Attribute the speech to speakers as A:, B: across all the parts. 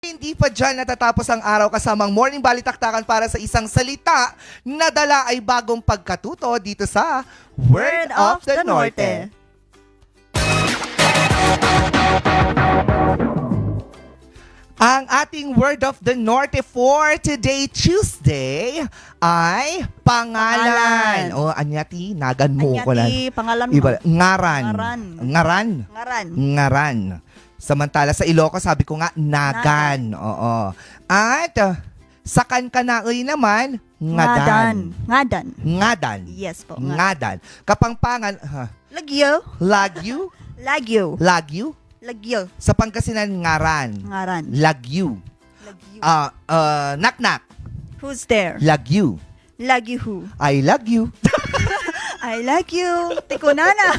A: Hindi pa dyan natatapos ang araw kasamang morning balitaktakan para sa isang salita na dala ay bagong pagkatuto dito sa Word of the Norte. Ang ating Word of the Norte for today, Tuesday, ay pangalan. O, anyati, nagan mo ko lang.
B: Anyati, pangalan mo.
A: Iba, ngaran.
B: Ngaran.
A: Ngaran.
B: Ngaran.
A: Ngaran. Samantala sa Ilocos, sabi ko nga, nagan. Oo. At sa Kankanay naman, ngadan.
B: Ngadan.
A: Ngadan.
B: Yes po.
A: Ngadan. Kapampangan,
B: Lagyo.
A: lagyu.
B: Lagyo.
A: Lagyu.
B: Lagyo.
A: Sa Pangasinan, ngaran.
B: Ngaran.
A: Lagyu.
B: Lagyo.
A: Naknak.
B: Who's there?
A: Lagyu.
B: Lagyo who?
A: I love you.
B: I like you. Tikunana.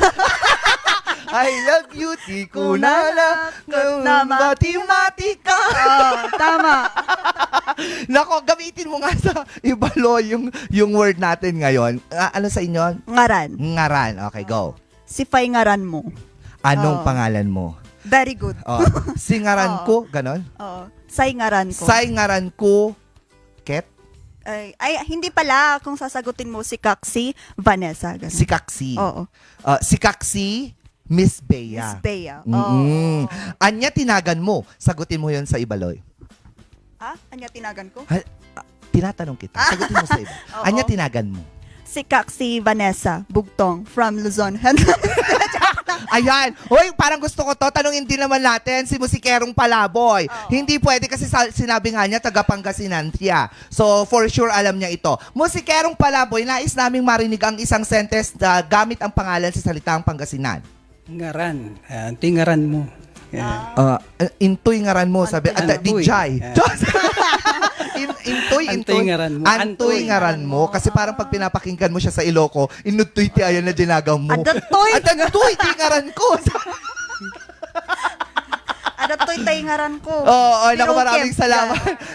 A: I love you, tikunala. Mati-mati ka.
B: Oh, tama.
A: Nako, gamitin mo nga sa ibalo yung word natin ngayon. Ano sa inyo?
B: Ngaran.
A: Ngaran. Okay, go.
B: Sifay ngaran mo.
A: Anong
B: Oh.
A: pangalan mo?
B: Very good.
A: Oh, singaran
B: Oh.
A: ko, ganon?
B: Oo. Say ngaran ko.
A: Say ngaran ko, Ket?
B: Ay, hindi pala. Kung sasagutin mo si Kaksi, Vanessa. Ganun.
A: Si Kaksi.
B: Oo.
A: Si Kaksi, Miss Bea.
B: Miss Bea.
A: Mm-mm.
B: Oh.
A: Anya tinagan mo. Sagutin mo yon sa Ibaloy.
B: Ha? Anya tinagan ko?
A: Tinatanong kita. Sagutin mo sa iba.
B: Oo.
A: Anya tinagan mo.
B: Si Kaksi Vanessa Bugtong from Luzon.
A: Ayan. Hoy, parang gusto ko to. Tanungin din naman natin si Musikerong Palaboy.
B: Oo.
A: Hindi pwede kasi sinabi nga niya taga Pangasinan siya. So, for sure alam niya ito. Musikerong Palaboy, nais naming marinig ang isang sentence na gamit ang pangalan sa salitang Pangasinan.
C: Ngaran. Tingaran mo. Yeah.
A: Intoy ngaran mo, sabi. At
C: Antoy.
A: Dijay.
C: Yeah.
A: Intoy.
C: Antoy ngaran mo.
A: Antoy ngaran mo. Kasi parang pag pinapakinggan mo siya sa Iloco, inutoy ti ayan na dinagaw mo.
B: Adatoy.
A: Adantoy, ti ngaran ko.
B: Adatoy tay ngaran ko.
A: Oo, naku,
B: Pero
A: maraming
B: Kim,
A: salamat.
B: yeah.